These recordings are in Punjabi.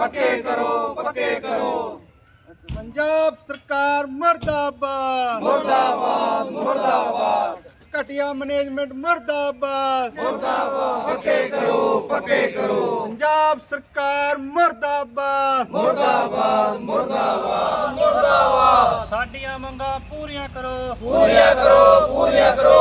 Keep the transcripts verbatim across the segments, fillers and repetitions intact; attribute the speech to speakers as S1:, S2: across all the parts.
S1: पक्के करो पक्के करो।
S2: पंजाब सरकार मुर्दाबाद
S1: मुर्दाबाद मुर्दाबाद
S2: घटिया मैनेजमेंट मुर्दाबाद
S1: मुर्दाबाद पक्के करो पक्के करो।
S2: पंजाब सरकार मुर्दाबाद
S1: मुर्दाबाद मुर्दाबाद मुर्दाबाद
S2: साडियां मंगां पूरियां करो
S1: पूरियां करो पूरियां करो।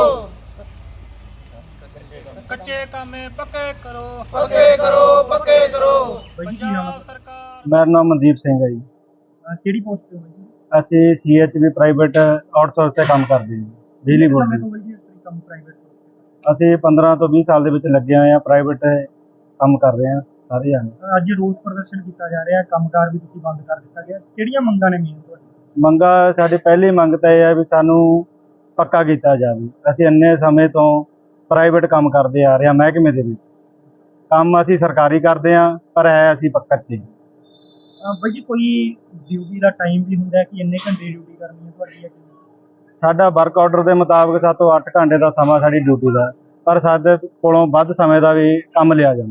S2: कच्चे कामे पक्के करो
S1: पक्के करो पक्के करो।
S2: पंजाब सरकार।
S3: मेरा नाम मनदीप सिंह है जी।
S2: ਕਿਹੜੀ ਪੋਸਟ ਤੇ ਹੋ ਜੀ?
S3: ਅਸੀਂ C H V private outsource ਤੇ ਕੰਮ ਕਰਦੇ ਹਾਂ ਬਿਜਲੀ ਬੋਰਡ
S2: ਕਿੰਨੇ
S3: ਦੇ।
S2: ਸਮੇਂ ਤੋਂ ਜੀ ਇਸ ਤਰੀਕੇ ਕੰਮ ਪ੍ਰਾਈਵੇਟ
S3: ਅਸੀਂ ਪੰਦਰਾਂ ਤੋਂ ਵੀਹ ਸਾਲ ਦੇ ਵਿੱਚ ਲੱਗੇ ਹੋਏ ਹਾਂ ਪ੍ਰਾਈਵੇਟ ਕੰਮ ਕਰ ਰਹੇ ਹਾਂ ਸਾਰੇ ਜਾਣੇ।
S2: ਅੱਜ ਰੋਸ ਪ੍ਰਦਰਸ਼ਨ ਕੀਤਾ ਜਾ ਰਿਹਾ, ਕੰਮਕਾਰ ਵੀ ਤੁਸੀਂ ਬੰਦ ਕਰ ਦਿੱਤਾ ਗਿਆ, ਕਿਹੜੀਆਂ ਮੰਗਾਂ ਨੇ ਮੇਨ ਤੁਹਾਡੀ?
S3: ਮੰਗਾ ਸਾਡੀ ਪਹਿਲੀ ਮੰਗ ਤਾਂ ਇਹ ਹੈ ਵੀ ਸਾਨੂੰ ਪੱਕਾ ਕੀਤਾ ਜਾਵੇ। ਅਸੀਂ ਇੰਨੇ ਸਮੇਂ ਤੋਂ ਪ੍ਰਾਈਵੇਟ ਕੰਮ ਕਰਦੇ ਆ ਰਹੇ ਹਾਂ ਮਹਿਕਮੇ ਦੇ ਵਿੱਚ। ਕੰਮ ਅਸੀਂ ਸਰਕਾਰੀ ਕਰਦੇ ਹਾਂ ਪਰ ਹੈ ਅਸੀਂ ਪੱਕਾ ਚ।
S2: ਬਾਈ ਜੀ ਕੋਈ ਡਿਊਟੀ ਦਾ ਟਾਈਮ ਵੀ ਹੁੰਦਾ ਕਿ ਇੰਨੇ ਘੰਟੇ ਡਿਊਟੀ ਕਰਨੀ ਹੈ ਤੁਹਾਡੀ ਜਾਂ ਕਿਵੇਂ?
S3: ਸਾਡਾ ਵਰਕ ਆਰਡਰ ਦੇ ਮੁਤਾਬਕ ਸੱਤ ਤੋਂ ਅੱਠ ਘੰਟੇ ਦਾ ਸਮਾਂ ਸਾਡੀ ਡਿਊਟੀ ਦਾ, ਪਰ ਸਾਡੇ ਕੋਲੋਂ ਵੱਧ ਸਮੇਂ ਦਾ ਵੀ ਕੰਮ ਲਿਆ ਜਾਂਦਾ।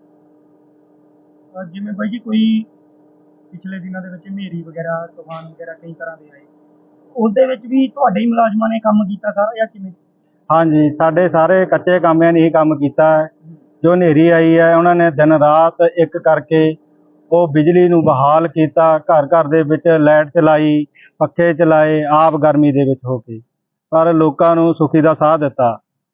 S2: ਅਹ ਜਿਵੇਂ ਬਾਈ ਜੀ ਕੋਈ ਪਿਛਲੇ ਦਿਨਾਂ ਦੇ ਵਿੱਚ ਹਨੇਰੀ ਵਗੈਰਾ ਤੂਫਾਨ ਵਗੈਰਾ ਕਈ ਤਰ੍ਹਾਂ ਦੇ ਆਏ, ਉਸ ਦੇ ਵਿੱਚ ਵੀ ਤੁਹਾਡੇ ਹੀ ਮੁਲਾਜ਼ਮਾਂ ਨੇ ਕੰਮ ਕੀਤਾ ਸਾਰਾ ਜਾਂ ਕਿਵੇਂ?
S3: ਹਾਂਜੀ, ਸਾਡੇ ਸਾਰੇ ਕੱਚੇ ਕਾਮਿਆਂ ਨੇ ਹੀ ਕੰਮ ਕੀਤਾ ਹੈ। ਜੋ ਹਨੇਰੀ ਆਈ ਹੈ ਉਹਨਾਂ ਨੇ ਦਿਨ ਰਾਤ ਇੱਕ ਕਰਕੇ ਉਹ ਬਿਜਲੀ ਨੂੰ ਬਹਾਲ ਕੀਤਾ, ਘਰ ਘਰ ਦੇ ਵਿੱਚ ਲਾਈਟ ਚਲਾਈ, ਪੱਖੇ ਚਲਾਏ, ਆਪ ਗਰਮੀ ਦੇ ਵਿੱਚ ਹੋ ਕੇ, ਪਰ ਲੋਕਾਂ ਨੂੰ ਸੁਖੀ ਦਾ ਸਾਹ ਦਿੱਤਾ।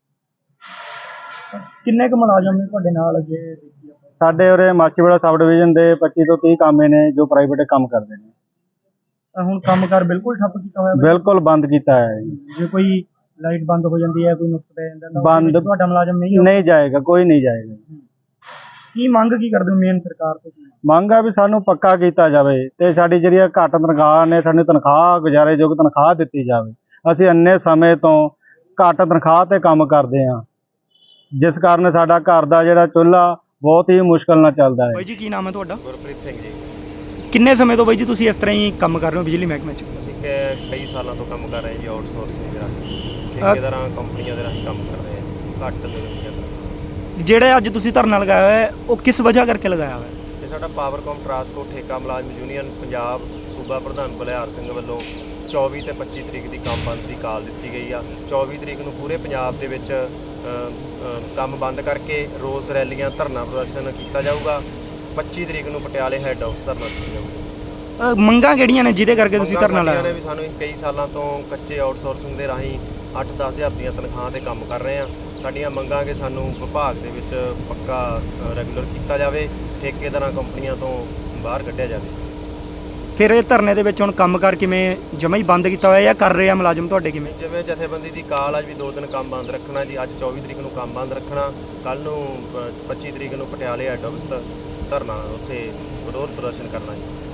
S2: ਕਿੰਨੇ ਕੁ ਮੁਲਾਜ਼ਮ ਨੇ ਤੁਹਾਡੇ ਨਾਲ ਜੇ ਦੇਖੀ ਆਪਾਂ?
S3: ਸਾਡੇ ਉਰੇ ਮਾਛੀਵਾੜਾ ਸਬ ਡਿਵੀਜ਼ਨ ਦੇ ਪੱਚੀ ਤੋਂ ਤੀਹ ਕਾਮੇ ਨੇ ਜੋ ਪ੍ਰਾਈਵੇਟ ਕੰਮ ਕਰਦੇ ਨੇ।
S2: ਤਾਂ ਹੁਣ ਕੰਮਕਾਰ ਬਿਲਕੁਲ ਠੱਪ ਕੀਤਾ ਹੋਇਆ ਬਾਈ?
S3: ਬਿਲਕੁਲ ਬੰਦ ਕੀਤਾ ਹੈ ਜੀ।
S2: ਜੇ ਕੋਈ ਲਾਈਟ ਬੰਦ ਹੋ ਜਾਂਦੀ ਹੈ, ਕੋਈ ਨੁਕਸ ਪੈ ਜਾਂਦਾ ਤਾਂ ਉਹਦੇ
S3: ਬੰਦ-
S2: ਵਿੱਚ ਤੁਹਾਡਾ ਮੁਲਾਜ਼ਮ ਨਹੀਂ ਹੋਊ?
S3: ਨਹੀਂ ਜਾਏਗਾ, ਕੋਈ ਨਹੀਂ ਜਾਏਗਾ।
S2: ਕੀ ਮੰਗ ਕੀ ਕਰਦੇ ਹੋ ਮੇਨ ਸਰਕਾਰ ਤੋਂ?
S3: ਮੰਗ ਆ ਵੀ ਸਾਨੂੰ ਪੱਕਾ ਕੀਤਾ ਜਾਵੇ ਤੇ ਸਾਡੀ ਜਿਹੜੀ ਘੱਟ ਤਨਖਾਹ ਨੇ ਸਾਨੂੰ ਤਨਖਾਹ ਗੁਜ਼ਾਰੇਯੋਗ ਤਨਖਾਹ ਦਿੱਤੀ ਜਾਵੇ। ਅਸੀਂ ਇੰਨੇ ਸਮੇਂ ਤੋਂ ਘੱਟ ਤਨਖਾਹ ਤੇ ਕੰਮ ਕਰਦੇ ਹਾਂ, ਜਿਸ ਕਾਰਨ ਸਾਡਾ ਘਰ ਦਾ ਜਿਹੜਾ ਚੁੱਲ੍ਹਾ ਬਹੁਤ ਹੀ ਮੁਸ਼ਕਲ ਨਾਲ ਚੱਲਦਾ ਹੈ।
S2: ਬਾਈ ਜੀ ਕੀ ਨਾਮ ਹੈ ਤੁਹਾਡਾ?
S4: ਗੁਰਪ੍ਰੀਤ ਸਿੰਘ ਜੀ।
S2: ਕਿੰਨੇ ਸਮੇਂ ਤੋਂ ਬਾਈ ਜੀ ਤੁਸੀਂ ਇਸ ਤਰ੍ਹਾਂ ਹੀ ਕੰਮ ਕਰ ਰਹੇ ਹੋ ਬਿਜਲੀ ਮਹਿਕਮੇ 'ਚ?
S4: ਅਸੀਂ ਕ- ਕਈ ਸਾਲਾਂ ਤੋਂ ਕੰਮ ਕਰ ਰਹੇ ਹਾਂ ਜੀ ਆਊਟਸੋਰਸਿੰਗ ਦੇ ਰਾਹੀਂ, ਠੇਕੇਦਾਰਾਂ ਕੰਪਨੀਆਂ ਦੇ ਰਾਹੀਂ ਕੰਮ ਕਰ ਰਹੇ ਹਾਂ ਘੱਟ ਤਨਖਾਹਾਂ ਤੇ।
S2: ਜਿਹੜੇ ਅੱਜ ਤੁਸੀਂ ਧਰਨਾ ਲਗਾਇਆ ਹੋਇਆ ਹੈ ਉਹ ਕਿਸ ਵਜ੍ਹਾ ਕਰਕੇ ਲਗਾਇਆ ਹੋਇਆ ਹੈ?
S4: ਤੇ ਸਾਡਾ ਪਾਵਰਕਾਮ ਟਰਾਂਸਕੋ ਠੇਕਾ ਮੁਲਾਜ਼ਮ ਯੂਨੀਅਨ ਪੰਜਾਬ ਸੂਬਾ ਪ੍ਰਧਾਨ ਬਲਿਹਾਰ ਸਿੰਘ ਵੱਲੋਂ ਚੌਵੀ ਤੇ ਪੱਚੀ ਤਰੀਕ ਦੀ ਕੰਮ ਬੰਦ ਦੀ ਕਾਲ ਦਿੱਤੀ ਗਈ ਆ। ਚੌਵੀ ਤਰੀਕ ਨੂੰ ਪੂਰੇ ਪੰਜਾਬ ਦੇ ਵਿੱਚ ਅ, ਅ, ਕੰਮ ਬੰਦ ਕਰਕੇ ਰੋਸ ਰੈਲੀਆਂ ਧਰਨਾ ਪ੍ਰਦਰਸ਼ਨ ਕੀਤਾ ਜਾਊਗਾ। ਪੱਚੀ ਤਰੀਕ ਨੂੰ ਪਟਿਆਲੇ ਹੈੱਡ ਆਫਿਸ ਧਰਨਾ ਦਿੱਤਾ ਜਾਊਗਾ।
S2: ਅਹ ਮੰਗਾਂ ਕਿਹੜੀਆਂ ਨੇ ਜਿਹਦੇ ਕਰਕੇ ਤੁਸੀਂ
S4: ਮੰਗਾਂ
S2: ਧਰਨਾ
S4: ਸਾਡੀਆਂ
S2: ਲਾਇਆ?
S4: ਨੇ ਵੀ ਸਾਨੂੰ ਕਈ ਸਾਲਾਂ ਤੋਂ ਕੱਚੇ ਆਊਟਸੋਰਸਿੰਗ ਦੇ ਰਾਹੀਂ ਅੱਠ ਦਸ ਹਜ਼ਾਰ ਦੀਆਂ ਤਨਖਾਹਾਂ ਤੇ ਕੰਮ ਕਰ ਰਹੇ ਹਾਂ। ਸਾਡੀਆਂ ਮੰਗਾਂ ਕਿ ਸਾਨੂੰ ਵਿਭਾਗ ਦੇ ਵਿੱਚ ਪੱਕਾ ਰੈਗੂਲਰ ਕੀਤਾ ਜਾਵੇ, ਠੇਕੇਦਾਰਾਂ ਕੰਪਨੀਆਂ ਤੋਂ ਬਾਹਰ ਕੱਢਿਆ ਜਾਵੇ।
S2: ਫਿਰ ਇਹ ਧਰਨੇ ਦੇ ਵਿੱਚ ਹੁਣ ਕੰਮਕਾਰ ਕਿਵੇਂ ਜਮਾਂ ਹੀ ਬੰਦ ਕੀਤਾ ਹੋਇਆ ਜਾਂ ਕਰ ਰਹੇ ਆ ਮੁਲਾਜ਼ਮ ਤੁਹਾਡੇ ਕਿਵੇਂ?
S4: ਜਿਵੇਂ ਜਥੇਬੰਦੀ ਦੀ ਕਾਲ ਅੱਜ ਵੀ ਦੋ ਦਿਨ ਕੰਮ ਬੰਦ ਰੱਖਣਾ ਜੀ। ਅੱਜ ਚੌਵੀ ਤਰੀਕ ਨੂੰ ਕੰਮ ਬੰਦ ਰੱਖਣਾ, ਕੱਲ੍ਹ ਨੂੰ ਪੱਚੀ ਤਰੀਕ ਨੂੰ ਪਟਿਆਲੇ ਹੈੱਡ ਆਫਿਸ ਧਰਨਾ ਉੱਥੇ ਵਿਰੋਧ ਪ੍ਰਦਰਸ਼ਨ ਕਰਨਾ ਜੀ।